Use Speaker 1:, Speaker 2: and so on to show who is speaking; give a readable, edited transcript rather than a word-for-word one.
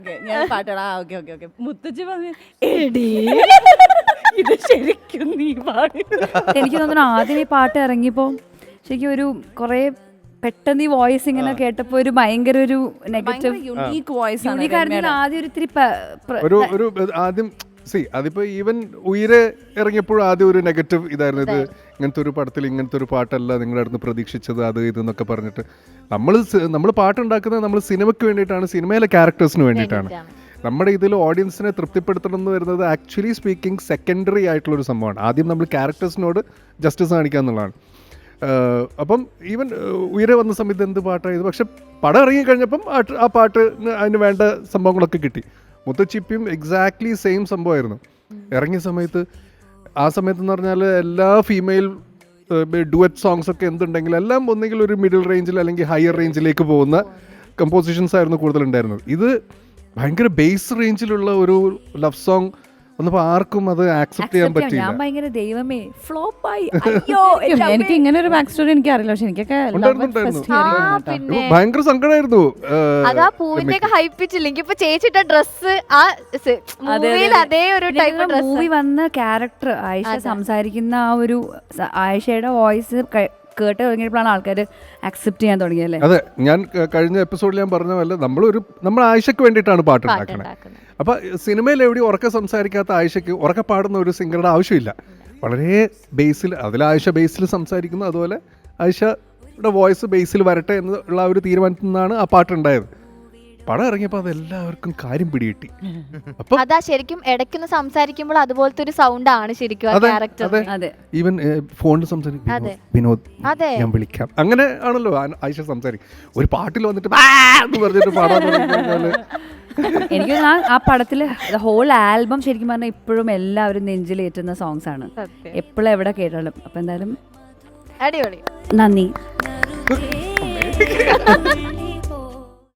Speaker 1: ഞാൻ പാട്ടടാ. Okay okay okay. മുത്തച്ഛി പറഞ്ഞു എടീ ഇത് ശരിക്കും നീ പാടി.
Speaker 2: എനിക്ക് തോന്നുന്നു ആദ്യം ഈ പാട്ട് ഇറങ്ങിയപ്പോൾ ശരിക്കും ഒരു കുറേ പെട്ടെന്ന് ഈ വോയിസ് ഇങ്ങനെ കേട്ടപ്പോൾ ഒരു ഭയങ്കര ഒരു നെഗറ്റീവ്
Speaker 1: യുണീക്ക് വോയിസ് ആണ്.
Speaker 2: യൂണിക്കായിരുന്നു ആദ്യം ഒരു ഇത്തിരി
Speaker 3: ഒരു ആദ്യം അതിപ്പോ ഈവൻ ഉയരെ ഇറങ്ങിയപ്പോഴും ആദ്യം ഒരു നെഗറ്റീവ് ഇതായിരുന്നു. ഇത് ഇങ്ങനത്തെ ഒരു പടത്തിൽ ഇങ്ങനത്തെ ഒരു പാട്ടല്ല നിങ്ങളുടെ അടുത്ത് പ്രതീക്ഷിച്ചത്, അത് ഇതെന്നൊക്കെ പറഞ്ഞിട്ട്. നമ്മൾ പാട്ടുണ്ടാക്കുന്നത് നമ്മൾ സിനിമയ്ക്ക് വേണ്ടിയിട്ടാണ്, സിനിമയിലെ ക്യാരക്ടേഴ്സിന് വേണ്ടിയിട്ടാണ്. നമ്മുടെ ഇതിൽ ഓഡിയൻസിനെ തൃപ്തിപ്പെടുത്തണം എന്ന് വരുന്നത് ആക്ച്വലി സ്പീക്കിംഗ് സെക്കൻഡറി ആയിട്ടുള്ളൊരു സംഭവമാണ്. ആദ്യം നമ്മൾ ക്യാരക്ടേഴ്സിനോട് ജസ്റ്റിസ് കാണിക്കുക എന്നുള്ളതാണ്. അപ്പം ഈവൻ ഉയരെ വന്ന സമയത്ത് എന്ത് പാട്ടായത്, പക്ഷെ പടം ഇറങ്ങിക്കഴിഞ്ഞപ്പം ആ പാട്ട് അതിന് വേണ്ട സംഭവങ്ങളൊക്കെ കിട്ടി. മുത്തച്ചിപ്പിയും എക്സാക്ട്ലി സെയിം സംഭവമായിരുന്നു. ഇറങ്ങിയ സമയത്ത് ആ സമയത്തെന്ന് പറഞ്ഞാൽ എല്ലാ ഫീമെയിൽ ഡുവറ്റ് സോങ്സ് ഒക്കെ എന്തുണ്ടെങ്കിലും എല്ലാം ഒന്നെങ്കിൽ ഒരു മിഡിൽ റേഞ്ചിൽ അല്ലെങ്കിൽ ഹയർ റേഞ്ചിലേക്ക് പോകുന്ന കമ്പോസിഷൻസ് ആയിരുന്നു കൂടുതലുണ്ടായിരുന്നത്. ഇത് ഭയങ്കര ബേസ് റേഞ്ചിലുള്ള ഒരു ലവ് സോങ് വന്നപ്പോൾ ആർക്കും അത് ആക്സെപ്റ്റ് ചെയ്യാൻ പറ്റില്ല.
Speaker 2: ഞാൻ ഭയങ്കര ദൈവമേ ഫ്ലോപ്പായി.
Speaker 1: എനിക്ക് ഇങ്ങനെ ഒരു ബാക്ക് സ്റ്റോറി എനിക്ക് അറിയില്ല, പക്ഷെ എനിക്കൊക്കെ
Speaker 3: ഭയങ്കര സങ്കടമായിരുന്നു.
Speaker 4: അതാ പൂവിന്റെ ഒക്കെ ഹൈപ്പിച്ചില്ല. എനിക്കിപ്പോ ചേച്ചിട്ട ഡ്രസ് ആ അതേ ഒരു ടൈപ്പ്
Speaker 2: മൂവി വന്ന ക്യാരക്ടർ ആയിഷ സംസാരിക്കുന്ന ആ ഒരു ആയിഷയുടെ വോയിസ് കേട്ട് തുടങ്ങിയപ്പോഴാണ് ആൾക്കാർ അക്സെപ്റ്റ് ചെയ്യാൻ തുടങ്ങിയല്ലേ.
Speaker 3: അതെ, ഞാൻ കഴിഞ്ഞ എപ്പിസോഡിൽ ഞാൻ പറഞ്ഞ പോലെ നമ്മൾ ആയിഷയ്ക്ക് വേണ്ടിയിട്ടാണ് പാട്ട് ഉണ്ടാക്കുന്നത്. അപ്പൊ സിനിമയിൽ എവിടെയും ഉറക്കെ സംസാരിക്കാത്ത ആയിഷയ്ക്ക് ഉറക്കെ പാടുന്ന ഒരു സിംഗറുടെ ആവശ്യമില്ല. വളരെ ബേസിൽ, അതിൽ ആയിഷ ബേസിൽ സംസാരിക്കുന്നു, അതുപോലെ ആയിഷയുടെ വോയിസ് ബേസിൽ വരട്ടെ എന്നുള്ള ഒരു തീരുമാനത്തിൽ നിന്നാണ് ആ പാട്ടുണ്ടായത്. പടം ഇറങ്ങിയപ്പോൾ അതെല്ലാവർക്കും കാര്യം പിടികിട്ടി. അപ്പൊ
Speaker 4: അതാ ശരിക്കും ഇടയ്ക്കൊന്ന് സംസാരിക്കുമ്പോൾ അതുപോലത്തെ ഒരു സൗണ്ട് ആണ് ശരിക്കും ക്യാരക്ടർ.
Speaker 3: ഈവൻ ഫോണിൽ സംസാരിക്കും, വിനോദ് ഞാൻ വിളിക്കാം, അങ്ങനെ ആണല്ലോ ആയിഷ സംസാരിക്കും. ഒരു പാട്ടിൽ വന്നിട്ട് പറഞ്ഞിട്ട് പാടാൻ
Speaker 2: എനിക്ക് ആ പടത്തില് ഹോൾ ആൽബം ശരിക്കും പറഞ്ഞാൽ ഇപ്പോഴും എല്ലാവരും നെഞ്ചിലേറ്റുന്ന സോങ്സ് ആണ്, എപ്പോഴും എവിടെ കേട്ടാലും. അപ്പൊ എന്തായാലും
Speaker 4: അടിപൊളി,
Speaker 2: നന്ദി.